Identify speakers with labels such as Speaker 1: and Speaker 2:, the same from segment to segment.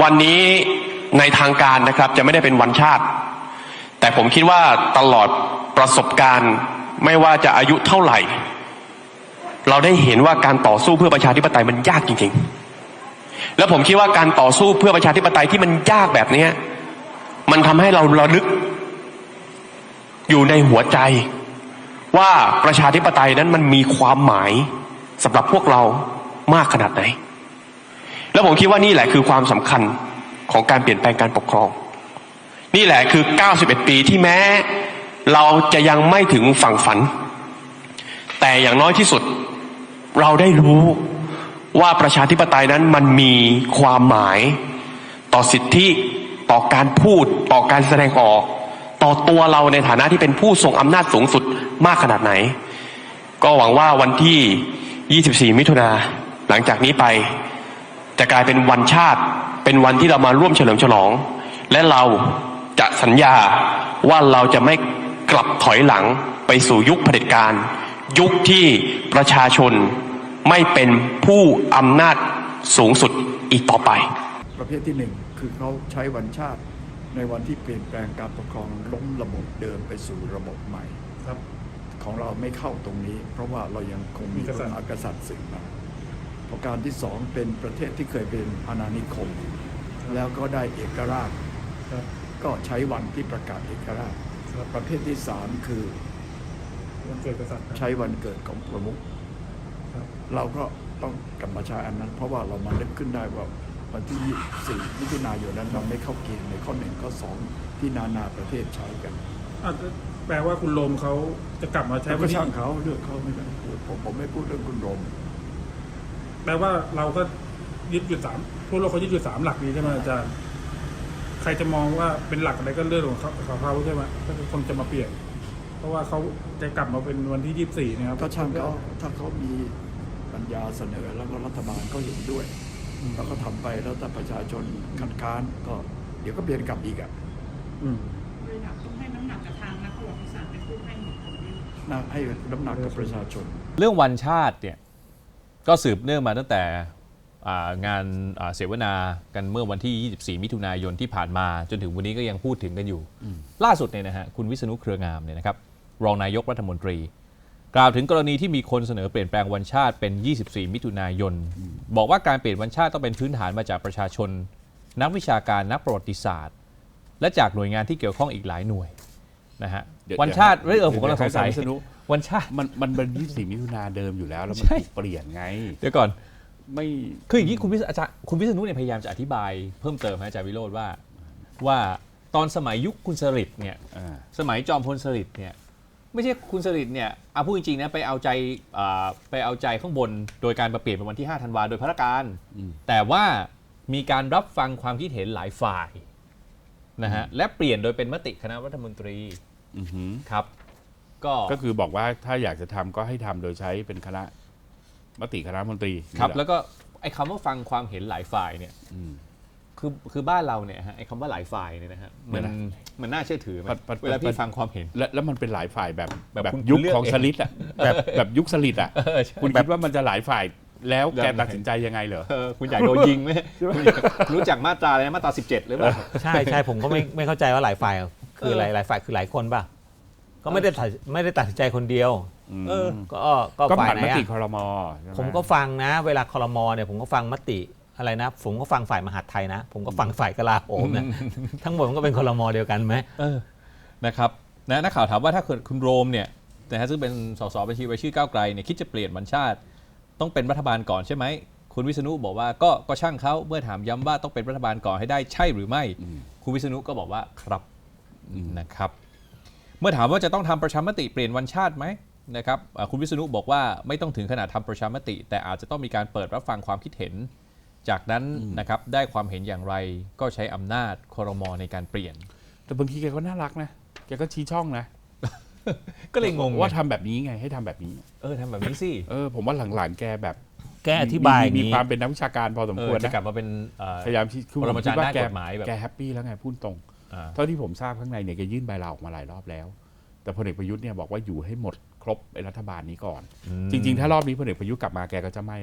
Speaker 1: วันนี้ในทางการนะครับจะไม่ได้เป็นวันชาติแต่ผมคิดว่าตลอดประสบการณ์ไม่ว่าจะอายุเท่าไหร่เราได้เห็นว่าการต่อสู้เพื่อประชาธิปไตยมันยากจริงๆแล้วผมคิดว่าการต่อสู้เพื่อประชาธิปไตยที่มันยากแบบนี้มันทำให้เราระลึกอยู่ในหัวใจว่าประชาธิปไตยนั้นมันมีความหมายสำหรับพวกเรามากขนาดไหนแล้วผมคิดว่านี่แหละคือความสำคัญของการเปลี่ยนแปลงการปกครองนี่แหละคือ91ปีที่แม้เราจะยังไม่ถึงฝั่งฝันแต่อย่างน้อยที่สุดเราได้รู้ว่าประชาธิปไตยนั้นมันมีความหมายต่อสิทธิต่อการพูดต่อการแสดงออกต่อตัวเราในฐานะที่เป็นผู้ทรงอำนาจสูงสุดมากขนาดไหนก็หวังว่าวันที่24มิถุนาหลังจากนี้ไปจะกลายเป็นวันชาติเป็นวันที่เรามาร่วมเฉลิมฉลองและเราจะสัญญาว่าเราจะไม่กลับถอยหลังไปสู่ยุคเผด็จการยุคที่ประชาชนไม่เป็นผู้อำนาจสูงสุดอีกต่อไป
Speaker 2: ประเภทที่หนึ่งคือเขาใช้วันชาติในวันที่เปลี่ยนแปลงการปกครองล้มระบบเดิมไปสู่ระบบใหม่ครับของเราไม่เข้าตรงนี้เพราะว่าเรายังคงมีพระมหากษัตริย์สืบมาประการที่สองเป็นประเทศที่เคยเป็นอาณานิคมแล้วก็ได้เอกราชก็ใช้วันที่ประกาศเอกราชประเภทที่สามคือวันเกิดกษัตริย์ใช้วันเกิดของประมุขเราก็ต้องกลับมาใช้อันนั้นเพราะว่าเรามานึกขึ้นได้ว่าวันที่4มิถุนายนนั้นเราไม่เข้าเกณฑ์ในข้อ1ข้อ2ที่นานาประเทศใช้กัน
Speaker 3: แปลว่าคุณโรมเขาจะกลับมาใช้
Speaker 2: ก็ช่างเขาเรื่องเขาไม่ได้พูดผมไม่พูดเรื่องคุณโรม
Speaker 3: แปลว่าเราก็ยึดอยู่3ทั่วโลกเขายึดอยู่3หลักนี้ใช่ไหมอาจารย์ใครจะมองว่าเป็นหลักอะไรก็เรื่องของเขาใช่ไหมถ้าคนจะมาเปลี่ยนเพราะว่าเขาจะกลับมาเป็นวันที่24นะครับ
Speaker 2: ก็ช่างเขาถ้าเขามีปัญญาเสนอแล้วก็รัฐบาลก็เห็นด้วยแล้วก็ทำไปแล้วถ้าประชาชนคัดค้านก็เดี๋ยวก็เปลี่ยนกลับอีก
Speaker 4: เลยอยากต้องให้น้ำหนักกับทางนักประวัติศาสตร์เป็นผู้ให้เหตุผล
Speaker 2: ให้น้ำหนักกับประชาชน
Speaker 5: เรื่องวันชาติเนี่ยก็สืบเนื่องมาตั้งแต่งานเสวนากันเมื่อวันที่24มิถุนายนที่ผ่านมาจนถึงวันนี้ก็ยังพูดถึงกันอยู่ล่าสุดเนี่ยนะฮะคุณวิษณุเครืองามเนี่ยนะครับรองนายกรัฐมนตรีกล่าวถึงกรณีที่มีคนเสนอเปลี่ยนแปลงวันชาติเป็น24มิถุนายนบอกว่าการเปลี่ยนวันชาติต้องเป็นพื้นฐานมาจากประชาชนนักวิชาการนักประวัติศาสตร์และจากหน่วยงานที่เกี่ยวข้องอีกหลายหน่วยนะฮะวันชาติผมกำลังสงสัยวันชาติ
Speaker 6: มันเป็น24มิถุนาเดิมอยู่แล้วแล้วมันถูกเปลี่ยนไง
Speaker 5: เดี๋ยวก่อน
Speaker 6: ไม่
Speaker 5: คืออย่างนี้คุณวิษณุเนี่ยพยายามจะอธิบายเพิ่มเติมอาจารย์วิโรจน์ว่าตอนสมัยยุคคุณสฤษดิ์เนี่ยสมัยจอมพลสฤษดิ์เนี่ยไม่ใช่คุณสฤษดิ์เนี่ยพูดจริงๆนะไปเอาใจข้างบนโดยการมาเปลี่ยนเป็นวันที่5ธันวาโดยพระการแต่ว่ามีการรับฟังความคิดเห็นหลายฝ่ายนะฮะและเปลี่ยนโดยเป็นมติคณะรัฐมนตรีครับ
Speaker 6: ก็คือบอกว่าถ้าอยากจะทำก็ให้ทำโดยใช้เป็นมติคณะรัฐมนตรี
Speaker 5: ครับแล้วก็ไอ้คำว่าฟังความเห็นหลายฝ่ายเนี่ยคือบ้านเราเนี่ยฮะไอ้คำว่าหลายฝ่ายเนี่ยนะฮะมันน่าเชื่อถือเวลาพี่ฟังความเห็น
Speaker 6: แล้วมันเป็นหลายฝ่ายแบบยุคของสลิดอ่ะแบบยุคสลิดอ่ะคุณคิดว่ามันจะหลายฝ่ายแล้วแกตัดสินใจยังไงเหรอ
Speaker 5: คุณอยากโดนยิงไหมรู้จักมาตราอะไรนะมาตรา17หรือเปล่า
Speaker 7: ใช่ผมก็ไม่เข้าใจว่าหลายฝ่ายคือหลายฝ่ายคือหลายคนป่ะก็ไม่ได้ตัดสินใจคนเดียว
Speaker 6: ก็ฝ่ายไหนมติครม.
Speaker 7: ผมก็ฟังนะเวลาครม.เนี่ยผมก็ฟังมติอะไรนะผมก็ฟังฝ่ายมหาดไทยนะผมก็ฟังฝ่ายกลาโหมนะทั้งหมดมันก็เป็นครม.เดียวกันไหม
Speaker 5: นะครับนักข่าวถามว่าถ้าเกิดคุณโรมเนี่ยนะฮะซึ่งเป็นสสบัญชีรายชื่อก้าวไกลเนี่ยคิดจะเปลี่ยนวันชาติต้องเป็นรัฐบาลก่อนใช่ไหมคุณวิษณุบอกว่าก็ช่างเขาเมื่อถามย้ำว่าต้องเป็นรัฐบาลก่อนให้ได้ใช่หรือไม่คุณวิษณุก็บอกว่าครับนะครับเมื่อถามว่าจะต้องทำประชามติเปลี่ยนวันชาติไหมนะครับคุณวิษณุบอกว่าไม่ต้องถึงขนาดทำประชามติแต่อาจจะต้องมีการเปิดรับฟังความคิดเห็นจากนั้นนะครับได้ความเห็นอย่างไรก็ใช้อำนาจครม.ในการเปลี่ยน
Speaker 6: แต่บางทีแกก็น่ารักนะแกก็ชี้ช่องนะ
Speaker 5: ก็เลยงง
Speaker 6: ว่าทำแบบนี้ไงให้ทำแบบนี้
Speaker 5: ทำแบบนี้สิ
Speaker 6: ผมว่าหลังๆแกแบบ
Speaker 7: แกอธิบาย
Speaker 6: มีความเป็นนักวิชาการพอสมควร
Speaker 5: นะกลับมาเป็น
Speaker 6: พยายาม
Speaker 5: ปรมาจารย์ด้านกฎหมายแบบ
Speaker 6: แกแฮปปี้แล้วไงพูดตรงเท่าที่ผมทราบข้างในเนี่ยแกยื่นใบลาออกมาหลายรอบแล้วแต่พลเอกประยุทธ์เนี่ยบอกว่าอยู่ให้หมดครบไอ้รัฐบาลนี้ก่อนจริงๆถ้ารอบนี้พลเอกประยุทธ์กลับมาแกก็จะไม่ละ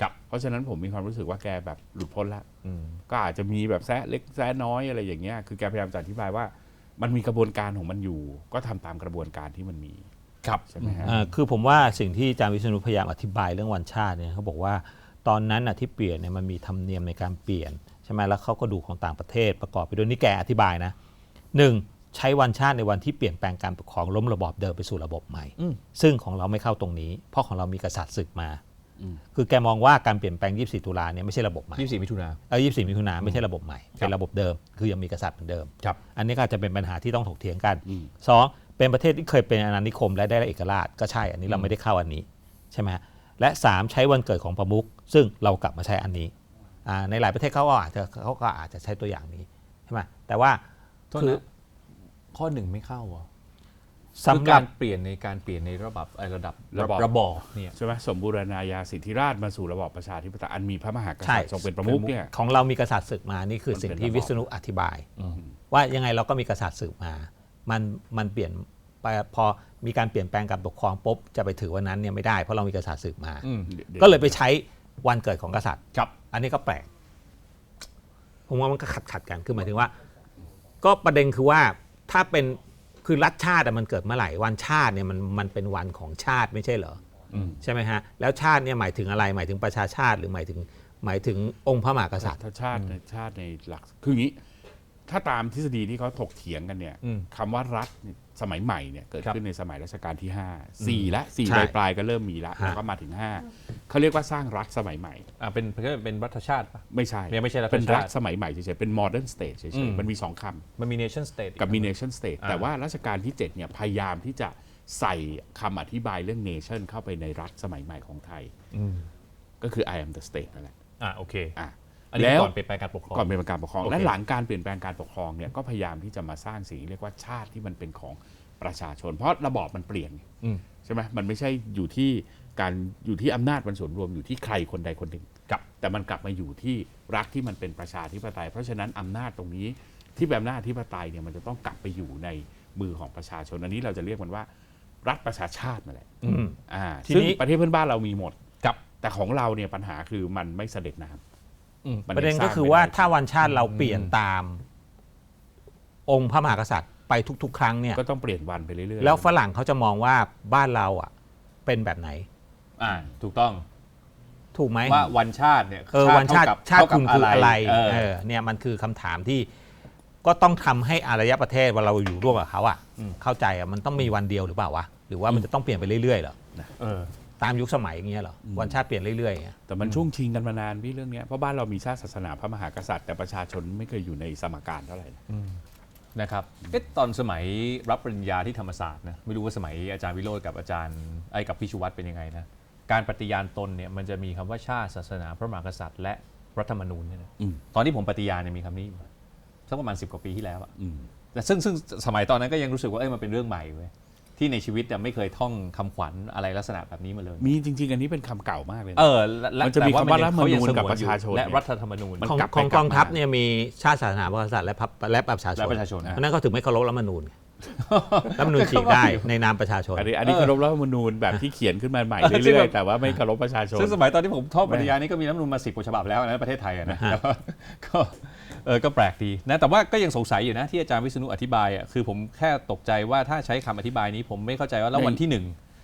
Speaker 5: ครับ
Speaker 6: เพราะฉะนั้นผมมีความรู้สึกว่าแกแบบหลุดพ้นละ
Speaker 5: อืม
Speaker 6: ก็อาจจะมีแบบแซะเล็กแซะน้อยอะไรอย่างเงี้ยคือแกพยายามจะอธิบายว่ามันมีกระบวนการของมันอยู่ ก็ทำตามกระบวนการที่มันมี
Speaker 5: ครับ
Speaker 6: ใช่ไหมฮะ
Speaker 7: คือผมว่าสิ่งที่อาจารย์วิษณุพยายามอธิบายเรื่องวันชาติเนี่ยเขาบอกว่าตอนนั้นที่เปลี่ยนเนี่ยมันมีธรรมเนียมในการเปลี่ยนใช่ไหมแล้วเขาก็ดูของต่างประเทศประกอบไปด้วยนี่แกอธิบายนะหนึ่งใช้วันชาติในวันที่เปลี่ยนแปลงการปกครองล้มระบอบเดิมไปสู่ระบบใหม่ ซึ่งของเราไม่เข้าตรงนี้ เพราะของเรามีกษัตริย์ศึกมา คือแกมองว่าการเปลี่ยนแปลง 24 ตุลาเนี่ยไม่ใช่ระบบใหม่
Speaker 5: 24 มิถุนา
Speaker 7: 24 มิถุนาไม่ใช่ระบบใหม่เป็นระบบเดิมคือยังมีกษัตริย์เหมือนเดิม
Speaker 5: ครับ
Speaker 7: อันนี้ก็อาจจะเป็นปัญหาที่ต้องถกเถียงกันสองเป็นประเทศที่เคยเป็นอาณานิคมและได้เอกราชก็ใช่อันนี้เราไม่ได้เข้าอันนี้ใช่ไหมและ3ใช้วันเกิดของประมุขซึ่งเรากลับมาใช้อันนี้ในหลายประเทศเขาก็อาจจะใช้ตัวอย่างนี้ใช่ไหมแต่ว่า
Speaker 5: โทษ
Speaker 7: คือ
Speaker 5: นะข้อหนึ่งไม่เข้าเหรอ
Speaker 7: สำ
Speaker 5: คือ
Speaker 7: หรั
Speaker 5: กา
Speaker 7: บ
Speaker 5: รเปลี่ยนในการเปลี่ยนในระดับ
Speaker 6: ระบอบ
Speaker 5: ระบอบเนี่ย
Speaker 6: ใช่ไหมสมบูรณาญาสิทธิราชย์มาสู่ระบอบประชาธิปไตยอันมีพระมหากษัต
Speaker 7: ใช่
Speaker 6: ริย์ทรงเป็นประมุขเนี่ย
Speaker 7: ของเรามีกษัตริย์ศึกมานี่คือสิ่งที่วิษณุอธิบาย ว่ายังไงเราก็มีกษัตริย์ศึกมามันเปลี่ยนไปพอมีการเปลี่ยนแปลงการปกครองปุ๊บจะไปถือวันนั้นเนี่ยไม่ได้เพราะเรามีกษัตริย์ศึกมา ก็เลยไปใช้วันเกิดของกษัตริย์
Speaker 5: ครับ
Speaker 7: อันนี้ก็แปลกผมว่ามันก็ขัดกันคือหมายถึงว่า ก็ประเด็นคือว่าถ้าเป็นคือรัฐชาติมันเกิดเมื่อไหร่วันชาติเนี่ยมันเป็นวันของชาติไม่ใช่เหรอใช่ไหมฮะแล้วชาติเนี่ยหมายถึงอะไรหมายถึงประชาชาติหรือหมายถึงองค์พระมหากษัตริย์
Speaker 6: ถ้าชาติในหลักคืออย่างนี้ ถ้าตามทฤษฎีที่เขาถกเถียงกันเนี่ยคำว่ารัฐเนี่ยสมัยใหม่เนี่ยเกิดขึ้นในสมัยรัชกาลที่ 5 4และ4
Speaker 7: ใช่
Speaker 6: ปลายๆก็เริ่มมีแล้วแล้วก็มาถึง 5เขาเรียกว่าสร้างรัฐสมัยใหม่
Speaker 5: เป็นรัฐชาติปะ
Speaker 6: ไม่ใช่
Speaker 5: ไม่ใช่รัฐชาติ
Speaker 6: เป็นรัฐสมัยใหม่เฉยๆเป็น modern state เฉยๆมันมี2คำ
Speaker 5: มันมี nation state
Speaker 6: กับมี nation state แต่ว่ารัชกาลที่ 7เนี่ยพยายามที่จะใส่คำอธิบายเรื่อง nation เข้าไปในรัฐสมัยใหม่ของไทยก็คือ I am the state นั่นแหละ
Speaker 5: โอเค
Speaker 6: อ่ะ
Speaker 5: อันนี้
Speaker 6: แล้ว
Speaker 5: ก่อนเปลี่ยนแปลงการปกครอง
Speaker 6: ก่อนเปลี่ยนแปลงการปกครอง
Speaker 5: โอเค
Speaker 6: และหลังการเปลี่ยนแปลงการปกครองเนี่ยก็พยายามที่จะมาสร้างสิ่งที่เรียกว่าชาติที่มันเป็นของประชาชน เพราะระบอบมันเปลี่ยนใช่ไหมมันไม่ใช่อยู่ที่อำนาจมันส่วนรวมอยู่ที่ใครคนใดคนหนึ่งแต่มันกลับมาอยู่ที่รัฐที่มันเป็นประชาธิปไตย เพราะฉะนั้นอำนาจตรงนี้ที่เป็นอำนาจอธิปไตยเนี่ยมันจะต้องกลับไปอยู่ในมือของประชาชนอันนี้เราจะเรียกมันว่ารัฐประชาชาตินั่นแหละ
Speaker 7: ที
Speaker 6: ซึ่ง
Speaker 7: นี้
Speaker 6: ประเทศเพื่อนบ้านเรามีหมด
Speaker 5: ครับ
Speaker 6: แต่ของเราเนี่ยปัญหาคือมันไม่เสด็จน้ำมัน
Speaker 7: ประเด็น
Speaker 6: ยังส
Speaker 7: ก็
Speaker 6: ร้าง
Speaker 7: คือ
Speaker 6: ไม่
Speaker 7: ว่า
Speaker 6: ได้
Speaker 7: ถ้าวันชาติเราเปลี่ยนตามองค์พระมหากษัตริย์ไปทุกๆ ครั้งเนี่ย
Speaker 6: ก็ต้องเปลี่ยนวันไปเรื่อยๆ
Speaker 7: แล้วฝรั่งเขาจะมองว่าบ้านเราเป็นแบบไหน
Speaker 5: ถูกต้อง
Speaker 7: ถูกไหม
Speaker 5: ว่าวันชาติเนี่ย
Speaker 7: วันชาติ
Speaker 5: เท่ากับ
Speaker 7: คุณคืออะไร
Speaker 5: เออ
Speaker 7: เนี่ยมันคือคำถามที่ก็ต้องทำให้อารยประเทศเวลาเราอยู่ร่วมกับเขาเข้าใจมันต้องมีวันเดียวหรือเปล่าวะหรือว่ามันจะต้องเปลี่ยนไปเรื่อยๆเหรอ ตามยุคสมัยอย่างเงี้ยเหรอวันชาติเปลี่ยนเรื่อยๆอย่างเงี้ย
Speaker 6: แต่มันช่วงชิงกันมานานพี่เรื่องเนี้ยเพราะบ้านเรามีชาติศาสนาพระมหากษัตริย์แต่ประชาชนไม่เคยอยู่ในสมการเท่าไหร่นะ
Speaker 5: นะครับตอนสมัยรับปริญญาที่ธรรมศาสตร์นะไม่รู้ว่าสมัยอาจารย์วิโรจน์กับอาจารย์กับพี่ชูวัฒน์เป็นยังไงนะการปฏิญาณตนเนี่ยมันจะมีคำว่าชาติศาสนาพระมหากษัตริย์และรัฐธรรมนูญเนี่ยนะตอนที่ผมปฏิญาณเนี่ยมีคำนี้อยู่สักประมาณ10 กว่าปีที่แล้วอะแต่ซึ่งสมัยตอนนั้นก็ยังรู้สึกว่ามันเป็นเรื่องใหม่เว้ยที่ในชีวิตเนี่ยไม่เคยท่องคำขวัญอะไรลักษณะแบบนี้มาเลย
Speaker 6: มีจริงๆอันนี้เป็นคำเก่ามากเลยนะ
Speaker 5: และ
Speaker 6: มันจะมีคำว่ารัฐธรรมนูญ
Speaker 5: แต่
Speaker 6: กับ
Speaker 5: ว่
Speaker 6: ประชาชน
Speaker 5: และรัฐธรรมนูญ
Speaker 6: มัน
Speaker 7: ของ
Speaker 6: กลับไป
Speaker 7: ของ
Speaker 6: กลับ
Speaker 7: กองทัพ
Speaker 6: มา
Speaker 7: เนี่ยมีชาติศาสนาพระมหากษัตริย์และประชาชน
Speaker 5: และประชาชน
Speaker 7: เพราะนั้นเขาถึงไม่เคารพรัฐธรรมนูญรัฐธรรมนูญฉีกได้ในนามประชาชน
Speaker 6: อันนี้เคารพรัฐธรรมนูญแบบที่เขียนขึ้นมาใหม่เรื่อยๆแต่ว่าไม่เคารพประชาชน
Speaker 5: ซึ่งสมัยตอนที่ผมท่องปริญญานี่ก็มีรัฐธรรมนูญมา10 กว่าฉบับแล้วนะประเทศไทยนะก็แปลกดีนะแต่ว่าก็ยังสงสัยอยู่นะที่อาจารย์วิษณุอธิบายคือผมแค่ตกใจว่าถ้าใช้คำอธิบายนี้ผมไม่เข้าใจว่าแล้ววันที่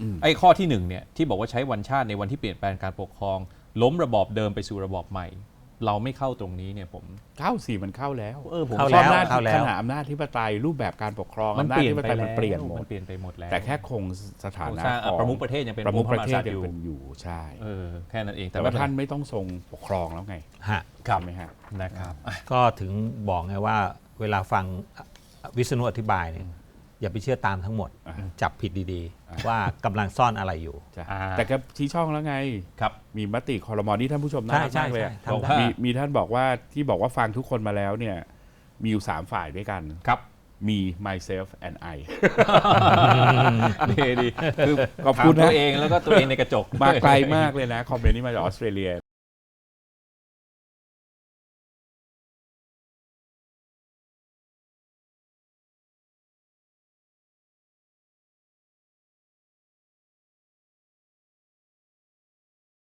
Speaker 5: 1ข้อที่1เนี่ยที่บอกว่าใช้วันชาติในวันที่เปลี่ยนแปลงการปกครองล้มระบอบเดิมไปสู่ระบอบใหม่ เราไม่เข้าตรงนี้เนี่ยผม
Speaker 6: เข้าสี่มันเข้าแล้ว
Speaker 5: ผม
Speaker 7: เข้า
Speaker 6: เพ
Speaker 7: แล้
Speaker 6: ราะ
Speaker 7: ว
Speaker 6: อำนาจ
Speaker 7: เข้าแล้ว
Speaker 6: ขนาดอำนาจธิปไตยรูปแบบการปกครอง
Speaker 5: มัน
Speaker 6: อำนา
Speaker 5: เป
Speaker 6: จ
Speaker 5: ลี่ยน
Speaker 6: ธิป
Speaker 5: ไป
Speaker 6: ไตย
Speaker 5: แล้ว
Speaker 6: มันเปลี่ยนหมด
Speaker 5: มันเปลี่ยนไปหมดแล้ว
Speaker 6: แต่แค่คงสถานะของ
Speaker 5: ประมุขประเทศยังเป็น
Speaker 6: ประมุขประเทศ
Speaker 5: พระมหากษัตริย์
Speaker 6: ยังเป็นอยู่ใช่
Speaker 5: แค่นั้นเอง
Speaker 6: แต่ว่าท่านไม่ต้องทรงปกครองแล้วไง
Speaker 7: ฮะ
Speaker 6: ใช่ไหมฮะ
Speaker 5: นะครับ
Speaker 7: ก็ถึงบอกไงว่าเวลาฟังวิษณุอธิบายเนี่ยอย่าไปเชื่อตามทั้งหมด จับผิดดีๆ ว่ากำลังซ่อนอะไรอยู่
Speaker 6: ใช่แต่ก็ชี้ช่องแล้วไง
Speaker 5: ครับ
Speaker 6: มีมติครม.นี่ท่านผู้ชมน่ารัก
Speaker 7: ใช่
Speaker 6: มากเลยอะ
Speaker 7: ใช่ทำได้
Speaker 6: มีท่านบอกว่าที่บอกว่าฟังทุกคนมาแล้วเนี่ยมีอยู่3ฝ่ายด้วยกัน
Speaker 5: ครับ
Speaker 6: มี myself and I
Speaker 5: ดีคือ
Speaker 6: ขอบคุณนะ
Speaker 5: ถามตัวเองแล้วก็ตัวเองในกระจก
Speaker 6: มาไกลมากเลยนะ คอมเมนต์นี้มาจากออสเตรเลีย